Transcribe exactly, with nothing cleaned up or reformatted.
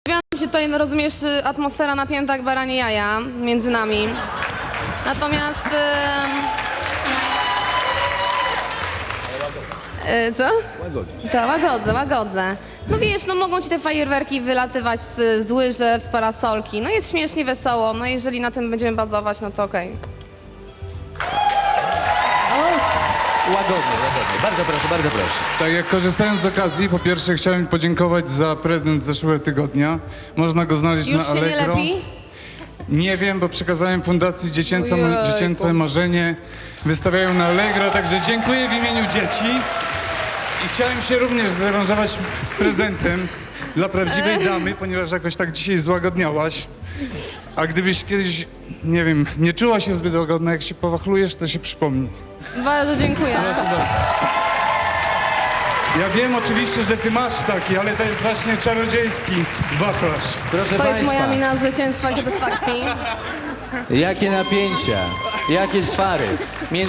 Pojawiła się tutaj, no rozumiesz, atmosfera napięta jak baranie jaja między nami. Natomiast... Yy, co? Łagodnie. To łagodzę, łagodzę. No wiesz, no mogą ci te fajerwerki wylatywać z, z łyżew, z parasolki. No jest śmiesznie, wesoło. No jeżeli na tym będziemy bazować, no to okej. Łagodnie, łagodnie. Bardzo proszę, bardzo proszę. Tak jak korzystając z okazji, po pierwsze chciałem podziękować za prezent z zeszłego tygodnia. Można go znaleźć Już na się Allegro. nie lepi? Nie wiem, bo przekazałem Fundacji Dziecięce, Ojejku. Dziecięce Marzenie. Wystawiają na Allegro, także dziękuję w imieniu dzieci. I chciałem się również zrewanżować prezentem dla prawdziwej damy, ponieważ jakoś tak dzisiaj złagodniałaś. A gdybyś kiedyś, nie wiem, nie czuła się zbyt łagodna, jak się powachlujesz, to się przypomni. Bardzo dziękuję. Proszę bardzo. Ja wiem oczywiście, że ty masz taki, ale to jest właśnie czarodziejski wachlarz. Proszę To jest państwa, moja mina zwycięstwa i satysfakcji. jakie napięcia, jakie swary między